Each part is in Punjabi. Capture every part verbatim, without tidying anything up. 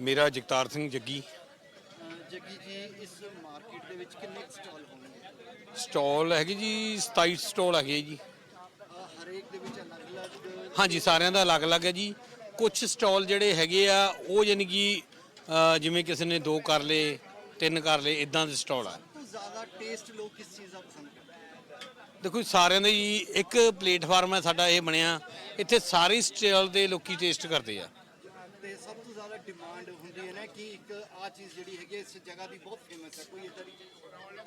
ਮੇਰਾ ਜਗਤਾਰ ਸਿੰਘ ਜੱਗੀ। ਜੱਗੀ ਜੀ, ਇਸ ਮਾਰਕੀਟ ਦੇ ਵਿੱਚ ਕਿੰਨੇ ਸਟਾਲ ਹੋਣਗੇ? ਸਟਾਲ ਹੈਗੇ ਜੀ ਸਤਾਈ ਸਟਾਲ ਹੈਗੇ ਜੀ। ਹਰੇਕ ਦੇ ਵਿੱਚ ਅਲੱਗ-ਅਲੱਗ? ਹਾਂਜੀ, ਸਾਰਿਆਂ ਦਾ ਅਲੱਗ-ਅਲੱਗ ਹੈ ਜੀ। ਕੁਝ ਸਟਾਲ ਜਿਹੜੇ ਹੈਗੇ ਆ ਉਹ ਯਾਨੀ ਕਿ ਜਿਵੇਂ ਕਿਸੇ ਨੇ ਦੋ ਕਰ ਲਏ, ਤਿੰਨ ਕਰ ਲਏ, ਇਦਾਂ ਦੇ ਸਟਾਲ ਆ। ਸਭ ਤੋਂ ਜ਼ਿਆਦਾ ਟੇਸਟ ਲੋਕ ਕਿਸ ਚੀਜ਼ ਦਾ ਪਸੰਦ ਕਰਦੇ? ਦੇਖੋ ਸਾਰਿਆਂ ਦੇ ਜੀ ਇੱਕ ਪਲੇਟਫਾਰਮ ਹੈ ਸਾਡਾ ਇਹ ਬਣਿਆ, ਇੱਥੇ ਸਾਰੇ ਸਟਾਲ ਦੇ ਲੋਕੀ ਟੇਸਟ ਕਰਦੇ ਆ। ਤੇ ਸਭ ਤੋਂ ਜ਼ਿਆਦਾ ਡਿਮਾਂਡ ਹੁੰਦੀ ਹੈ ਨਾ ਕਿ ਇੱਕ ਆ ਚੀਜ਼ ਜਿਹੜੀ ਹੈਗੀ ਇਸ ਜਗ੍ਹਾ ਦੀ ਬਹੁਤ ਫੇਮਸ ਹੈ, ਕੋਈ ਇਦਾਂ ਦੀ ਚੀਜ਼?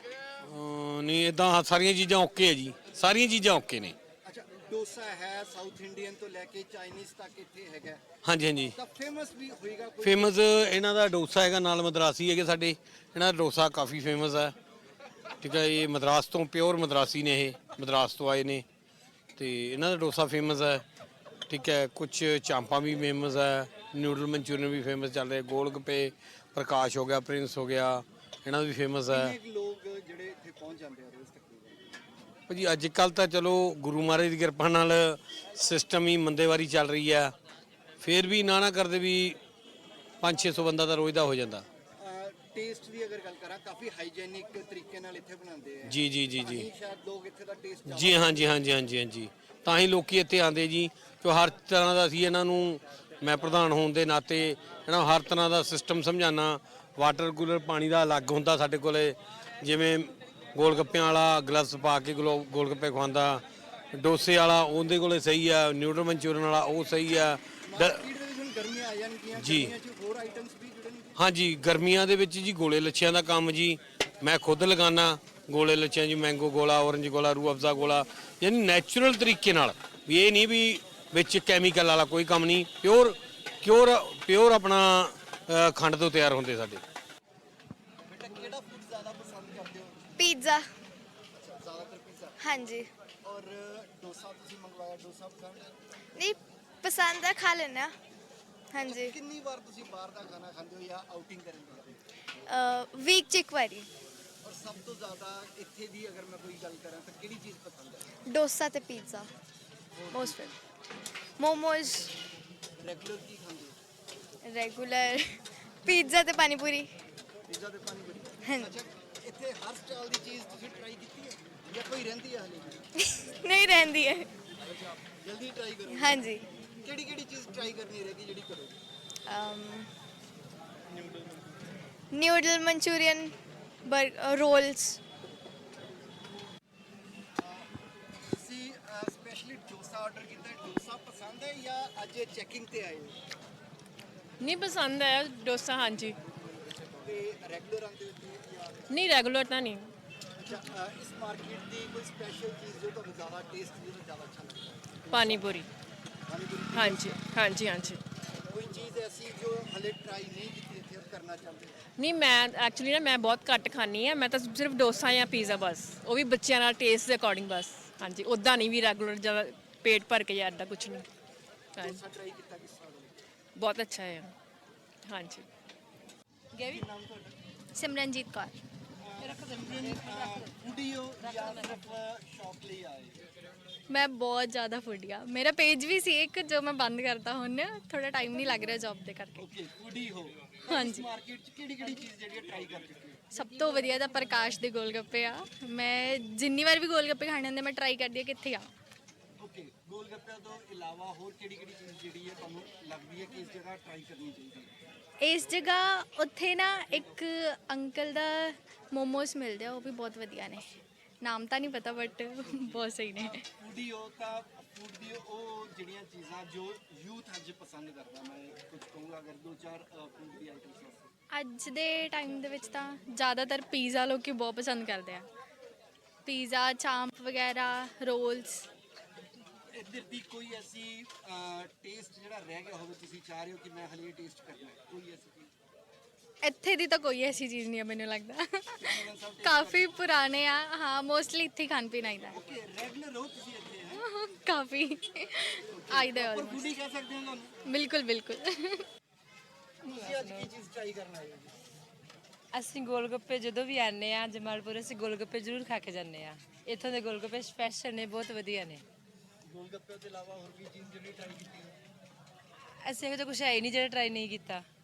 ਨਹੀਂ, ਇਦਾਂ ਸਾਰੀਆਂ ਚੀਜ਼ਾਂ ਓਕੇ ਹੈ ਜੀ, ਸਾਰੀਆਂ ਚੀਜ਼ਾਂ ਓਕੇ ਨੇ। ਅੱਛਾ, ਡੋਸਾ ਹੈ ਸਾਊਥ ਇੰਡੀਅਨ ਤੋਂ ਲੈ ਕੇ ਚਾਈਨੀਜ਼ ਤੱਕ ਇੱਥੇ ਹੈਗਾ। ਹਾਂਜੀ ਹਾਂਜੀ, ਤਾਂ ਫੇਮਸ ਵੀ ਹੋਏਗਾ ਕੋਈ? ਫੇਮਸ ਇਹਨਾਂ ਦਾ ਡੋਸਾ ਹੈਗਾ, ਨਾਲ ਮਦਰਾਸੀ ਹੈਗੇ ਸਾਡੇ। ਇਹਨਾਂ ਦਾ ਡੋਸਾ ਕਾਫੀ ਫੇਮਸ ਹੈ। ਠੀਕ ਹੈ, ਇਹ ਮਦਰਾਸ ਤੋਂ ਪਿਓਰ ਮਦਰਾਸੀ ਨੇ, ਇਹ ਮਦਰਾਸ ਤੋਂ ਆਏ ਨੇ ਅਤੇ ਇਹਨਾਂ ਦਾ ਡੋਸਾ ਫੇਮਸ ਹੈ। ਠੀਕ ਹੈ, ਕੁਛ ਚਾਂਪਾਂ ਵੀ ਫੇਮਸ ਹੈ, ਨਿਊਡਲ ਮਨਚੂਰੀਅਨ ਵੀ ਫੇਮਸ ਚੱਲ ਰਿਹਾ, ਗੋਲ ਗੱਪੇ ਪ੍ਰਕਾਸ਼ ਹੋ ਗਿਆ, ਪ੍ਰਿੰਸ ਹੋ ਗਿਆ, ਇਹਨਾਂ ਦਾ ਵੀ ਫੇਮਸ ਹੈ। ਕਿੰਨੇ ਲੋਕ ਜਿਹੜੇ ਇੱਥੇ ਪਹੁੰਚ ਜਾਂਦੇ ਆ ਰੋਜ਼ ਤਕਰੀਬਨ? ਭਾਜੀ ਅੱਜ ਕੱਲ੍ਹ ਤਾਂ ਚਲੋ ਗੁਰੂ ਮਹਾਰਾਜ ਦੀ ਕਿਰਪਾ ਨਾਲ ਸਿਸਟਮ ਹੀ ਮੰਦੇਵਾਰੀ ਚੱਲ ਰਹੀ ਆ, ਫਿਰ ਵੀ ਨਾ ਨਾ ਕਰਦੇ ਵੀ ਪੰਜ ਛੇ ਸੌ ਬੰਦਾ ਤਾਂ ਰੋਜ਼ ਦਾ ਹੋ ਜਾਂਦਾ। ਟੇਸਟ ਦੀ ਅਗਰ ਗੱਲ ਕਰਾਂ, ਕਾਫੀ ਹਾਈਜੀਨਿਕ ਤਰੀਕੇ ਨਾਲ ਇੱਥੇ ਬਣਾਉਂਦੇ ਆ। ਜੀ ਜੀ ਜੀ ਜੀ ਸ਼ਾਇਦ ਲੋਕ ਇੱਥੇ ਦਾ ਟੇਸਟ ਜੀ ਹਾਂਜੀ ਹਾਂਜੀ ਹਾਂਜੀ ਹਾਂਜੀ, ਤਾਂ ਹੀ ਲੋਕੀ ਇੱਥੇ ਆਉਂਦੇ ਜੀ, ਕਿ ਹਰ ਤਰ੍ਹਾਂ ਦਾ ਅਸੀਂ ਇਹਨਾਂ ਨੂੰ, ਮੈਂ ਪ੍ਰਧਾਨ ਹੋਣ ਦੇ ਨਾਤੇ ਇਹਨਾਂ ਨੂੰ ਹਰ ਤਰ੍ਹਾਂ ਦਾ ਸਿਸਟਮ ਸਮਝਾਉਣਾ। ਵਾਟਰ ਕੂਲਰ ਪਾਣੀ ਦਾ ਅਲੱਗ ਹੁੰਦਾ ਸਾਡੇ ਕੋਲ, ਜਿਵੇਂ ਗੋਲ ਗੱਪਿਆਂ ਵਾਲਾ ਗਲਵਸ ਪਾ ਕੇ ਗਲੋ ਗੋਲ ਗੱਪੇ ਖਵਾਉਂਦਾ, ਡੋਸੇ ਵਾਲਾ ਉਹਦੇ ਕੋਲੇ ਸਹੀ ਆ, ਨਿਊਡਲ ਮਨਚੂਰੀਅਨ ਵਾਲਾ ਉਹ ਸਹੀ ਆ। ਗਰਮੀਆਂ ਆ ਜਾਣਗੀਆਂ ਜੀ ਹੋਰ ਆਈਟਮਸ ਵੀ ਜੁੜਨਗੀਆਂ? ਹਾਂਜੀ, ਗਰਮੀਆਂ ਦੇ ਵਿੱਚ ਜੀ ਗੋਲੇ ਲੱਛਿਆਂ ਦਾ ਕੰਮ ਜੀ ਮੈਂ ਖੁਦ ਲਗਾਉਣਾ। ਗੋਲੇ ਲੱਛਿਆਂ ਜੀ, ਮੈਂਗੋ ਗੋਲਾ, ਔਰੰਜ ਗੋਲਾ, ਰੂਹ ਅਫਜ਼ਾ ਗੋਲਾ, ਯਾਨੀ ਨੈਚੁਰਲ ਤਰੀਕੇ ਨਾਲ, ਵੀ ਇਹ ਨਹੀਂ ਵੀ ਵਿੱਚ ਕੈਮੀਕਲ ਵਾਲਾ ਕੋਈ ਕੰਮ ਨਹੀਂ, ਪਿਓਰ ਪਿਓਰ ਪਿਓਰ ਆਪਣਾ ਖੰਡ ਤੋਂ ਤਿਆਰ ਹੁੰਦੇ ਸਾਡੇ। ਬੇਟਾ ਕਿਹੜਾ ਫੂਡ ਜ਼ਿਆਦਾ ਪਸੰਦ ਕਰਦੇ ਹੋ? ਪੀਜ਼ਾ। ਜ਼ਿਆਦਾਤਰ ਪੀਜ਼ਾ? ਹਾਂਜੀ। ਔਰ ਡੋਸਾ ਤੁਸੀਂ ਮੰਗਵਾਇਆ, ਡੋਸਾ ਪਸੰਦ ਹੈ? ਨਹੀਂ ਪਸੰਦ ਹੈ, ਖਾ ਲੈਂਦੇ ਹਾਂ। ਹਾਂਜੀ। ਕਿੰਨੀ ਵਾਰ ਤੁਸੀਂ ਬਾਹਰ ਦਾ ਖਾਣਾ ਖਾਂਦੇ ਹੋ ਜਾਂ ਆਊਟਿੰਗ ਕਰਨ ਜਾਂਦੇ ਹੋ? ਵੀਕ 'ਚ ਇੱਕ ਵਾਰੀ। ਔਰ ਸਭ ਤੋਂ ਜ਼ਿਆਦਾ ਇੱਥੇ ਦੀ ਅਗਰ ਮੈਂ ਕੋਈ ਗੱਲ ਕਰਾਂ ਤਾਂ ਕਿਹੜੀ ਚੀਜ਼ ਪਸੰਦ ਹੈ? ਡੋਸਾ ਤੇ pizza most favourite. Momos. Regular ਕੀ ਖਾਂਦੇ ਹੋ? ਰੈਗੂਲਰ ਪੀਜ਼ਾ ਤੇ ਪਾਣੀ ਪੂਰੀ। ਪੀਜ਼ਾ ਤੇ ਪਾਣੀ ਪੂਰੀ? ਹਾਂਜੀ। ਅੱਛਾ, ਇੱਥੇ ਹਰ ਸਟਾਲ ਦੀ ਚੀਜ਼ ਤੁਸੀਂ ਟਰਾਈ ਕੀਤੀ ਹੈ ਜਾਂ ਕੋਈ ਰਹਿੰਦੀ ਹੈ ਹਲੇ ਵੀ? ਨਹੀਂ ਰਹਿੰਦੀ ਹੈ। ਅੱਛਾ, ਜਲਦੀ ਟਰਾਈ ਕਰੋ। ਹਾਂਜੀ। ਕਿਹੜੀ ਕਿਹੜੀ ਚੀਜ਼ ਟਰਾਈ ਕਰਨੀ ਰਹੇਗੀ ਜਿਹੜੀ ਕਰੋਗੇ? Noodle manchurian, rolls. ਤੁਸੀਂ ਸਪੈਸ਼ਲੀ ਡੋਸਾ ਆਰਡਰ ਕੀਤਾ, ਡੋਸਾ ਪਸੰਦ ਹੈ ਜਾਂ ਅੱਜ ਚੈਕਿੰਗ ਤੇ ਆਏ ਹੋ? ਨਹੀਂ ਪਸੰਦ ਹੈ ਡੋਸਾ, ਹਾਂਜੀ। ਤੇ ਰੈਗੂਲਰ ਆਉਂਦੇ ਹੋ ਇੱਥੇ ਜਾਂ? ਨਹੀਂ ਰੈਗੂਲਰ ਤਾਂ ਨਹੀਂ। ਅੱਛਾ, ਇਸ ਮਾਰਕੀਟ ਦੀ ਕੋਈ ਸਪੈਸ਼ਲ ਚੀਜ਼ ਜੋ ਤੁਹਾਨੂੰ ਜ਼ਿਆਦਾ ਟੇਸਟ ਜਿਹੜਾ ਜ਼ਿਆਦਾ ਅੱਛਾ ਲੱਗਦਾ? ਪਾਣੀ ਪੂਰੀ। ਪਾਣੀ ਪੂਰੀ? ਹਾਂਜੀ ਹਾਂਜੀ ਹਾਂਜੀ। ਕੋਈ ਚੀਜ਼ ਐਸੀ ਜੋ ਹਲੇ ਟਰਾਈ ਨਹੀਂ ਕੀਤੀ ਇੱਥੇ ਕਰਨਾ ਚਾਹੁੰਦੇ ਹੋ? ਨਹੀਂ ਮੈਂ ਐਕਚੁਅਲੀ ਨਾ ਮੈਂ ਬਹੁਤ ਘੱਟ ਖਾਂਦੀ ਹਾਂ, ਮੈਂ ਤਾਂ ਸਿਰਫ ਡੋਸਾ ਜਾਂ ਪੀਜ਼ਾ ਬਸ, ਉਹ ਵੀ ਬੱਚਿਆਂ ਨਾਲ ਟੇਸਟ ਦੇ ਅਕੋਰਡਿੰਗ ਬਸ। ਹਾਂਜੀ, ਉੱਦਾਂ ਨਹੀਂ ਵੀ ਰੈਗੂਲਰ ਜ਼ਿਆਦਾ ਪੇਟ ਭਰ ਕੇ ਜਾਂ ਇੱਦਾਂ ਕੁਛ ਨਹੀਂ। ਹਾਂਜੀ, ਡੋਸਾ ਟਰਾਈ ਕੀਤਾ ਕਿਸ ਤਰ੍ਹਾਂ ਦਾ? ਬਹੁਤ ਅੱਛਾ ਹੈ। ਹਾਂਜੀ। ਕੀ ਨਾਮ ਤੁਹਾਡਾ? ਸਿਮਰਨਜੀਤ ਕੌਰ। ਫੂਡੀ ਹੋ ਜਾਂ ਸਿਰਫ ਸ਼ੌਕ ਲਈ ਆਏ? ਮੈਂ ਬਹੁਤ ਜ਼ਿਆਦਾ ਫੂਡੀ ਆ। ਮੇਰਾ ਪੇਜ ਵੀ ਸੀ ਇੱਕ ਜੋ ਮੈਂ ਬੰਦ ਕਰਤਾ ਹੁਣ, ਥੋੜਾ ਟਾਈਮ ਨਹੀਂ ਲੱਗ ਰਿਹਾ ਜੌਬ ਦੇ ਕਰਕੇ। ਓਕੇ, ਫੂਡੀ ਹੋ। ਹਾਂਜੀ। ਮਾਰਕੀਟ 'ਚ ਕਿਹੜੀ ਕਿਹੜੀ ਚੀਜ਼ ਜਿਹੜੀ ਟਰਾਈ ਕਰ ਚੁੱਕੇ ਹੋ? ਸਭ ਤੋਂ ਵਧੀਆ ਤਾਂ ਪ੍ਰਕਾਸ਼ ਦੇ ਗੋਲ ਗੱਪੇ ਆ। ਮੈਂ ਜਿੰਨੀ ਵਾਰ ਵੀ ਗੋਲ ਗੱਪੇ ਖਾਣੇ ਹੁੰਦੇ ਮੈਂ ਟਰਾਈ ਕਰਦੀ ਆ ਕਿੱਥੇ ਆ। ਓਕੇ, ਗੋਲ ਗੱਪਿਆਂ ਤੋਂ ਇਲਾਵਾ ਹੋਰ ਕਿਹੜੀ ਕਿਹੜੀ ਚੀਜ਼ ਜਿਹੜੀ ਹੈ ਤੁਹਾਨੂੰ ਲੱਗਦੀ ਹੈ ਕਿ ਇਸ ਜਗ੍ਹਾ ਟਰਾਈ ਕਰਨੀ ਚਾਹੀਦੀ ਹੈ? ਇਸ ਜਗ੍ਹਾ ਉੱਥੇ ਨਾ ਇੱਕ ਅੰਕਲ ਦਾ ਮੋਮੋਸ ਮਿਲਦੇ ਆ, ਉਹ ਵੀ ਬਹੁਤ ਵਧੀਆ ਨੇ। ਨਾਮ ਤਾਂ ਨਹੀਂ ਪਤਾ ਬਟ ਬਹੁਤ ਸਹੀ ਨੇ। ਫੂਡੀ ਹੋ ਤਾਂ ਫੂਡ ਦੀ ਉਹ ਜਿਹੜੀਆਂ ਚੀਜ਼ਾਂ ਜੋ ਯੂਥ ਅੱਜ ਪਸੰਦ ਕਰਦਾ, ਮੈਂ ਕੁਝ ਕਹੂੰਗਾ ਅਗਰ ਦੋ ਚਾਰ ਫੂਡ ਦੀ ਆਈਟਮਸ ਵਾਸਤੇ। ਅੱਜ ਦੇ ਟਾਈਮ ਦੇ ਵਿੱਚ ਤਾਂ ਜ਼ਿਆਦਾਤਰ ਪੀਜ਼ਾ ਲੋਕੀ ਬਹੁਤ ਪਸੰਦ ਕਰਦੇ ਆ। ਪੀਜ਼ਾ, ਚਾਂਪ ਵਗੈਰਾ, ਰੋਲਸ। ਇੱਧਰ ਦੀ ਕੋਈ ਐਸੀ ਟੇਸਟ ਜਿਹੜਾ ਰਹਿ ਗਿਆ ਹੋਵੇ ਤੁਸੀਂ ਚਾਹ ਰਹੇ ਹੋ ਕਿ ਮੈਂ ਹਲੇ ਟੇਸਟ ਕਰਨਾ ਹੈ, ਕੋਈ ਐਸੀ ਚੀਜ਼? ਇੱਥੇ ਦੀ ਤਾਂ ਕੋਈ ਐਸੀ ਚੀਜ਼ ਨਹੀਂ ਹੈ ਮੈਨੂੰ ਲੱਗਦਾ। ਕਾਫੀ ਪੁਰਾਣੇ ਆ। ਹਾਂ, ਮੋਸਟਲੀ ਇੱਥੇ ਹੀ ਖਾਣ ਪੀਣ ਆਈਦਾ। ਓਕੇ, ਰੈਗੂਲਰ ਹੋ ਤੁਸੀਂ ਇੱਥੇ? ਹੈ ਕਾਫੀ ਆਈਦਾ ਪਰ ਆਲਮੋਸਟ। ਫੂਡੀ ਕਹਿ ਸਕਦੇ ਹਾਂ ਤੁਹਾਨੂੰ? ਬਿਲਕੁਲ ਬਿਲਕੁਲ। ਤੁਸੀਂ ਅੱਜ ਕੀ ਚੀਜ਼ ਟਰਾਈ ਕਰਨ ਆਏ ਹੋ ਜੀ? ਅਸੀਂ ਗੋਲ ਗੱਪੇ ਜਦੋਂ ਵੀ ਆਉਂਦੇ ਆ ਜਮਾਲਪੁਰ, ਅਸੀਂ ਗੋਲ ਗੱਪੇ ਜ਼ਰੂਰ ਖਾ ਕੇ ਜਾਂਦੇ ਆ। ਇੱਥੋਂ ਦੇ ਗੋਲ ਗੱਪੇ ਸਪੈਸ਼ਲ ਨੇ, ਬਹੁਤ ਵਧੀਆ ਨੇ। ਗੋਲ ਗੱਪੇ ਤੋਂ ਇਲਾਵਾ ਹੋਰ ਵੀ ਚੀਜ਼ ਜਿਹੜੀ ਟਰਾਈ ਕੀਤੀ ਹੈ? ਅਸੀਂ ਇਹੋ ਜਿਹਾ ਕੁਛ ਹੈ ਹੀ ਨਹੀਂ ਜਿਹੜਾ ਟਰਾਈ ਨਹੀਂ ਕੀਤਾ।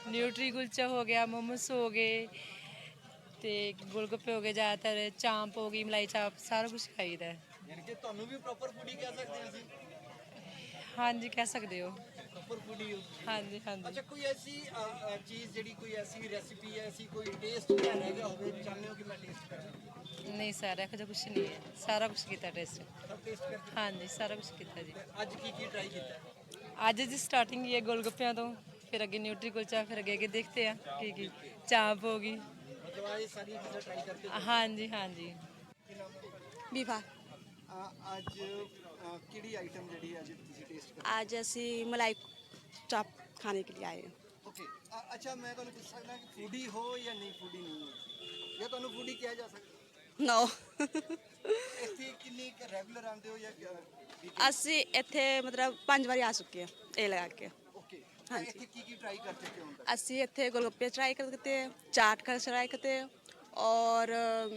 ਨਿਊਟਰੀ ਕੁਲਚਾ ਹੋ ਗਿਆ, ਮੋਮੋਸ ਹੋ ਗਏ ਤੇ ਗੋਲਗੱਪੇ ਹੋ ਗਏ, ਜ਼ਿਆਦਾਤਰ ਚਾਂਪ ਹੋ ਗਈ, ਮਲਾਈ ਚਾਪ, ਸਾਰਾ ਕੁਝ ਖਾਈਦਾ ਹੈ। ਯਾਨੀ ਕਿ ਤੁਹਾਨੂੰ ਵੀ ਪ੍ਰੋਪਰ ਫੂਡੀ ਕਹਿ ਸਕਦੇ ਹਾਂ ਅਸੀਂ। ਹਾਂਜੀ ਕਹਿ ਸਕਦੇ ਹੋ। ਪ੍ਰੋਪਰ ਫੂਡੀ ਹੋ। ਹਾਂਜੀ ਹਾਂਜੀ। ਅੱਛਾ, ਕੋਈ ਐਸੀ ਅ, ਅ, ਚੀਜ਼ ਜਿਹੜੀ ਕੋਈ ਐਸੀ ਰੈਸਿਪੀ ਹੈ, ਐਸੀ ਕੋਈ ਟੇਸਟ ਜਿਹੜਾ ਰਹਿ ਗਿਆ ਹੋਵੇ, ਚਾਹੁੰਦੇ ਹੋ ਕਿ ਮੈਂ ਟੇਸਟ ਕਰਾਂ? ਨਹੀਂ ਸਰ, ਇਹੋ ਜਿਹਾ ਕੁਝ ਨਹੀਂ ਹੈ, ਸਾਰਾ ਕੁਝ ਕੀਤਾ ਟੇਸਟ। ਸਭ ਟੇਸਟ ਕਰਕੇ। ਹਾਂਜੀ ਸਾਰਾ ਕੁਝ ਕੀਤਾ ਜੀ। ਅੱਜ ਕੀ ਕੀ ਟਰਾਈ ਕੀਤਾ? ਅੱਜ ਦੀ ਸਟਾਰਟਿੰਗ ਹੀ ਹੈ ਗੋਲਗੱਪਿਆਂ ਤੋਂ, ਫਿਰ ਅੱਗੇ ਨਿਊਟਰੀ ਕੁਲਚਾ, ਫਿਰ ਅੱਗੇ ਅੱਗੇ ਦੇਖਤੇ ਆ ਕੀ ਕੀ, ਚਾਂਪ ਹੋ ਗਈ। ਮਤਲਬ ਇਹ ਸਾਰੀਆਂ ਚੀਜ਼ਾਂ ਟਰਾਈ ਕਰਕੇ। ਹਾਂਜੀ ਹਾਂਜੀ। ਕੀ ਨਾਮ ਹੈ? ਵਿਭਾ। ਅ, ਅੱਜ ਅ, ਕਿਹੜੀ ਆਈਟਮ ਜਿਹੜੀ ਅੱਜ ਤੁਸੀਂ ਟੇਸਟ ਕਰ? आज ਅਸੀਂ मलाई चाप खाने के लिए आए हैं। ਓਕੇ, ਅੱਛਾ, ਮੈਂ ਤੁਹਾਨੂੰ ਪੁੱਛ ਸਕਦਾ ਕਿ ਫੂਡੀ ਹੋ ਜਾਂ ਨਹੀਂ ਫੂਡੀ ਨਹੀਂ ਹੋ, ਜਾਂ ਤੁਹਾਨੂੰ ਫੂਡੀ ਕਿਹਾ ਜਾ ਸਕਦਾ? ਨੋ ਇੱਥੇ ਕਿੰਨੀ ਰੈਗੂਲਰ ਆਉਂਦੇ ਹੋ ਜਾਂ ਵੀਕ? ਅਸੀਂ ਇੱਥੇ ਮਤਲਬ ਪੰਜ ਵਾਰੀ ਆ ਚੁੱਕੇ ਹਾਂ ਇਹ ਲਗਾ ਕੇ। ਓਕੇ, ਹਾਂਜੀ। ਇੱਥੇ ਕੀ ਕੀ ਟਰਾਈ ਕਰ ਚੁੱਕੇ ਹੋ ਹੁਣ ਤੱਕ? ਅਸੀਂ ਇੱਥੇ गोलगप्पे ट्राई करते हैं, चाट का ट्राई करते हैं और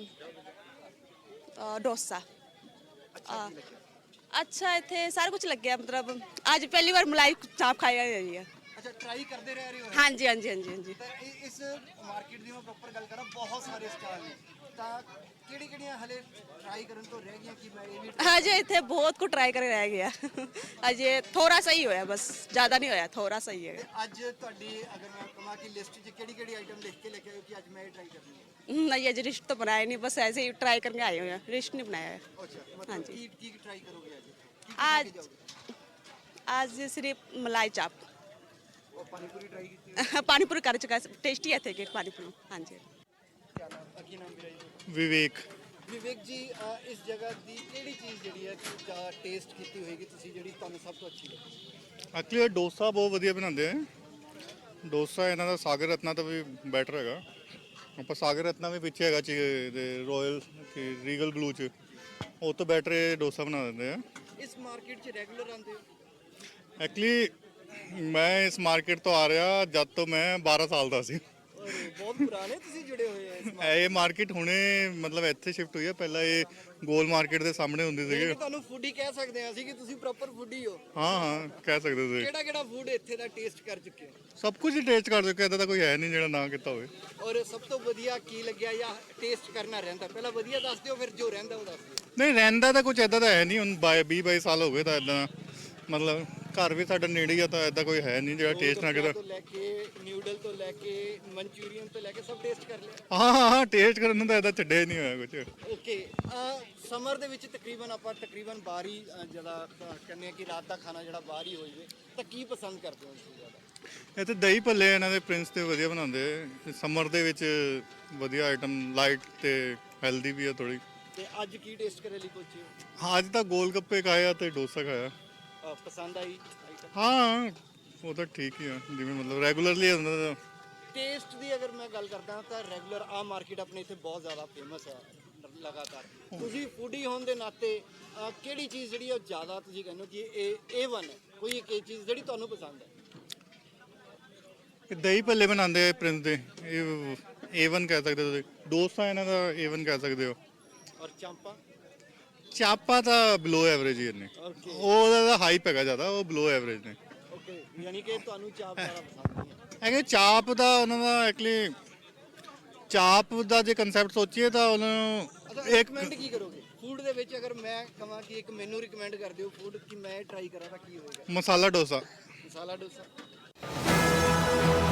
अ, डोसा। ਅੱਛਾ, ਕੀ ਲੱਗਿਆ? अच्छा ਇੱਥੇ ਸਾਰਾ ਕੁਝ ਲੱਗਿਆ, ਮਤਲਬ ਅੱਜ ਪਹਿਲੀ ਵਾਰ ਮਲਾਈ ਚਾਪ ਖਾਈ ਹੈ। ਅੱਛਾ, ਟਰਾਈ ਕਰਦੇ ਰਹਿ ਰਹੇ ਹੋ? ਹਾਂਜੀ ਹਾਂਜੀ ਹਾਂਜੀ ਹਾਂਜੀ। ਤਾਂ ਇਹ- ਇਸ ਮਾਰਕੀਟ ਦੀ ਮੈਂ ਪ੍ਰੋਪਰ ਗੱਲ ਕਰਾਂ, ਬਹੁਤ ਸਾਰੇ ਸਟਾਲ ਨੇ, ਤਾਂ ਕਿਹੜੀ ਕਿਹੜੀਆਂ ਹਲੇ ਟਰਾਈ ਕਰਨ ਤੋਂ ਰਹਿ ਗਈਆਂ ਕਿ ਮੈਂ ਇਹ ਵੀ try- ਅਜੇ ਇੱਥੇ ਬਹੁਤ ਕੁਝ ਟਰਾਈ ਕਰਕੇ ਰਹਿ ਗਿਆ। ਅਜੇ ਥੋੜਾ ਸਹੀ ਹੋਇਆ, ਬਸ ਜ਼ਿਆਦਾ ਨਹੀਂ ਹੋਇਆ, ਥੋੜਾ ਸਹੀ ਹੈ। ਤੇ ਅੱਜ ਤੁਹਾਡੀ ਅਗਰ ਮੈਂ ਕਹਾਂ ਕਿ ਲਿਸਟ 'ਚ ਕਿਹੜੀ ਕਿਹੜੀ ਆਈਟਮ ਲਿਖ ਕੇ ਲੈ ਕੇ ਆਏ ਹੋ ਕਿ ਅੱਜ ਮੈਂ ਇਹ ਟਰਾਈ ਕਰਨੀ ਹੈ? नहीं अजय रिश्त तो बनाया नहीं, बस ऐसे ही ट्राई करके आए हुए हैं, रिश्त नहीं बनाया है। ਅੱਛਾ, हाँ ਮਤਲਬ जी। ਕੀ ਕੀ ਟਰਾਈ ਕਰੋਗੇ ਅੱਜ? ਕੀ ਕੀ आज ਖਾ ਕੇ ਜਾਓਗੇ? आज सिर्फ मलाई चाप ਉਹ ਪਾਨੀਪੂਰੀ ਟਰਾਈ ਕੀਤੀ? पानीपुरी कर चुका है, टेस्टी है थे कि पानीपुरी। हाँ जी। ਕੀ ਨਾਮ ਕੀ ਨਾਮ ਵੀਰਾ ਜੀ? ਵਿਵੇਕ। ਵਿਵੇਕ ਜੀ, ਅ, ਇਸ ਜਗ੍ਹਾ ਦੀ ਕਿਹੜੀ ਚੀਜ਼ ਜਿਹੜੀ ਹੈ ਕਿ ਜਾਂ ਟੇਸਟ ਕੀਤੀ ਹੋਏਗੀ ਤੁਸੀਂ ਜਿਹੜੀ ਤੁਹਾਨੂੰ ਸਭ ਤੋਂ ਅੱਛੀ ਲੱਗੀ? ਐਕਚੁਅਲੀ ਡੋਸਾ ਬਹੁਤ ਵਧੀਆ ਬਣਾਉਂਦੇ ਆ। ਡੋਸਾ ਇਹਨਾਂ ਦਾ ਸਾਗਰ ਰਤਨਾ ਤੋਂ ਵੀ ਬੈਟਰ ਹੈਗਾ। ਆਪਾਂ ਸਾਗਰ ਰਤਨਾ ਵੀ ਪਿੱਛੇ ਹੈਗਾ ਚ ਰੋਇਲ ਰੀਗਲ ਬਲੂ ਚ, ਉਹ ਤੋਂ ਬੈਟਰ ਇਹ ਡੋਸਾ ਬਣਾ ਦਿੰਦੇ ਆ। ਇਸ ਮਾਰਕੀਟ 'ਚ ਰੈਗੂਲਰ ਆਉਂਦੇ ਹੋ? ਐਕਚੁਅਲੀ ਮੈਂ ਇਸ ਮਾਰਕੀਟ ਤੋਂ ਆ ਰਿਹਾ ਜਦ ਤੋਂ ਮੈਂ ਬਾਰਾਂ ਸਾਲ ਦਾ ਸੀ। ਔਰ ਬਹੁਤ ਪੁਰਾਣੇ ਤੁਸੀਂ ਜੁੜੇ ਹੋਏ ਆ ਇਸ ਇਹ ਮਾਰਕੀਟ ਹੁਣੇ ਮਤਲਬ ਇੱਥੇ ਸ਼ਿਫਟ ਹੋਈ ਹੈ, ਪਹਿਲਾਂ ਇਹ ਗੋਲ ਮਾਰਕੀਟ ਦੇ ਸਾਹਮਣੇ ਹੁੰਦੀ ਮਾਰਕੀਟ। ਸੀਗੀ। ਤੁਹਾਨੂੰ ਫੂਡੀ ਕਹਿ ਸਕਦੇ ਹਾਂ ਅਸੀਂ ਕਿ ਤੁਸੀਂ ਪ੍ਰੋਪਰ ਫੂਡੀ ਹੋ। ਹਾਂ ਹਾਂ ਕਹਿ ਸਕਦੇ ਹੋ ਤੁਸੀਂ। ਕਿਹੜਾ ਕਿਹੜਾ ਫੂਡ ਇੱਥੇ ਦਾ ਟੇਸਟ ਕਰ ਚੁੱਕੇ ਹੋ? ਸਭ ਕੁਝ ਹੀ ਟੇਸਟ ਕਰ ਚੁੱਕੇ, ਇੱਦਾਂ ਦਾ ਕੋਈ ਹੈ ਨਹੀਂ ਜਿਹੜਾ ਨਾ ਕੀਤਾ ਹੋਵੇ। ਔਰ ਸਭ ਤੋਂ ਵਧੀਆ ਕੀ ਲੱਗਿਆ ਜਾਂ ਟੇਸਟ ਕਰਨਾ ਰਹਿੰਦਾ? ਪਹਿਲਾਂ ਵਧੀਆ ਦੱਸ ਦਿਓ, ਫਿਰ ਜੋ ਰਹਿੰਦਾ ਉਹ ਦੱਸ ਦਿਓ। ਨਹੀਂ ਰਹਿੰਦਾ ਤਾਂ ਕੁਝ ਐਦਾਂ ਦਾ ਹੈ ਨਹੀਂ, ਹੁਣ ਬਾਈ ਵੀਹ ਬਾਈ ਸਾਲ ਹੋ ਗਏ ਤਾਂ ਐਦਾਂ ਮਤਲਬ ਘਰ ਵੀ ਸਾਡਾ ਨੇੜੇ ਹੀ ਆ, ਤਾਂ ਐਦਾਂ ਕੋਈ ਹੈ ਨਹੀਂ ਜਿਹੜਾ ਟੇਸਟ ਨਾ ਗੋਲਗੱਪਿਆਂ ਕੀਤਾ। ਤੋਂ ਲੈ ਕੇ ਨਿਊਡਲ ਤੋਂ ਲੈ ਕੇ ਮਨਚੂਰੀਅਨ ਤੋਂ ਲੈ ਕੇ ਸਭ ਟੇਸਟ ਕਰ ਲਿਆ? ਹਾਂ ਹਾਂ ਹਾਂ ਟੇਸਟ ਕਰਨ ਨੂੰ ਤਾਂ ਐਦਾਂ ਛੱਡਿਆ ਹੀ ਨਹੀਂ ਹੋਇਆ ਕੁਝ। ਓਕੇ, ਸਮਰ ਦੇ ਵਿੱਚ ਤਕਰੀਬਨ ਆਪਾਂ ਤਕਰੀਬਨ ਬਾਹਰ ਹੀ ਅ, ਜਿਹੜਾ ਅ, ਕਹਿੰਦੇ ਆ ਕਿ ਰਾਤ ਦਾ ਖਾਣਾ ਜਿਹੜਾ ਬਾਹਰ ਹੀ ਹੋ ਜਾਵੇ, ਤਾਂ ਕੀ ਪਸੰਦ ਕਰਦੇ ਹੋ ਤੁਸੀਂ ਜ਼ਿਆਦਾ? ਇੱਥੇ ਦਹੀਂ ਭੱਲੇ ਇਹਨਾਂ ਦੇ ਪ੍ਰਿੰਸ ਤੇ ਵਧੀਆ ਬਣਾਉਂਦੇ। ਸਮਰ ਦੇ ਵਿੱਚ ਵਧੀਆ ਆਈਟਮ, ਲਾਈਟ ਤੇ ਹੈਲਦੀ ਵੀ ਆ ਥੋੜੀ। ਤੇ ਅੱਜ ਕੀ ਟੇਸਟ ਕਰੇ ਲਈ ਪਹੁੰਚੇ ਹੋ? ਹਾਂ ਅੱਜ ਤਾਂ ਗੋਲ ਗੱਪੇ ਖਾਇਆ ਤੇ ਡੋਸਾ ਖਾਇਆ। ਅ, ਪਸੰਦ ਆਈ ਆਈਟਮ? ਹਾਂ ਉਹ ਤਾਂ ਠੀਕ ਹੀ ਆ, ਜਿਵੇਂ ਮਤਲਬ ਰੈਗੂਲਰਲੀ ਹੁੰਦਾ। ਟੇਸਟ ਦੀ ਅਗਰ ਮੈਂ ਗੱਲ ਕਰਦਾ ਤਾਂ ਰੈਗੂਲਰ ਆ ਮਾਰਕੀਟ ਆਪਣੇ ਇੱਥੇ ਬਹੁਤ ਜ਼ਿਆਦਾ ਫੇਮਸ ਹੈ ਲਗਾਤਾਰ। ਤੁਸੀਂ ਫੂਡੀ ਹੋਣ ਦੇ ਨਾਤੇ ਅ, ਕਿਹੜੀ ਚੀਜ਼ ਜਿਹੜੀ ਉਹ ਜ਼ਿਆਦਾ ਤੁਸੀਂ ਕਹਿੰਦੇ ਹੋ ਕਿ ਇਹ ਏ ਵਨ ਹੈ? ਕੋਈ ਇੱਕ ਇਹ ਚੀਜ਼ ਜਿਹੜੀ ਤੁਹਾਨੂੰ ਪਸੰਦ ਹੈ? ਇਹ ਦਹੀਂ ਭੱਲੇ ਬਣਾਉਂਦੇ ਆ ਪ੍ਰਿੰਸ ਦੇ, ਇਹ ਏ ਵਨ ਕਹਿ ਸਕਦੇ ਹੋ ਤੁਸੀਂ। ਡੋਸਾ ਇਹਨਾਂ ਦਾ ਏ ਵਨ ਕਹਿ ਸਕਦੇ ਹੋ। ਔਰ ਚਾਂਪਾ? ਚਾਪਾ ਤਾਂ ਬਿਲੋ ਐਵਰੇਜ ਹੀ ਨੇ, ਓਕੇ ਉਹਦਾ ਤਾਂ ਹਾਈਪ ਹੈਗਾ ਜ਼ਿਆਦਾ, ਉਹ ਬਿਲੋ ਐਵਰੇਜ ਨੇ। ਓਕੇ, ਯਾਨੀ ਕਿ ਤੁਹਾਨੂੰ ਚਾਪ ਜ਼ਿਆਦਾ ਪਸੰਦ ਨਹੀਂ ਹੈ? ਹੈਗੇ ਚਾਪ ਦਾ ਉਹਨਾਂ ਦਾ ਐਕਚੁਅਲੀ ਚਾਪ ਦਾ ਜੇ ਕੰਸੈਪਟ ਸੋਚੀਏ ਤਾਂ ਉਹਨਾਂ ਨੂੰ ਅੱਛਾ, ਇੱਕ ਰਿਕਮੈਂਡ ਕੀ ਕਰੋਗੇ ਫੂਡ ਦੇ ਵਿੱਚ? ਅਗਰ ਮੈਂ ਕਹਾਂ ਕਿ ਇੱਕ ਮੈਨੂੰ ਰਿਕਮੈਂਡ ਕਰ ਦਿਓ ਫੂਡ ਕਿ ਮੈਂ ਟਰਾਈ ਕਰਾਂ ਤਾਂ ਕੀ ਹੋਏਗਾ? ਮਸਾਲਾ ਡੋਸਾ। ਮਸਾਲਾ ਡੋਸਾ।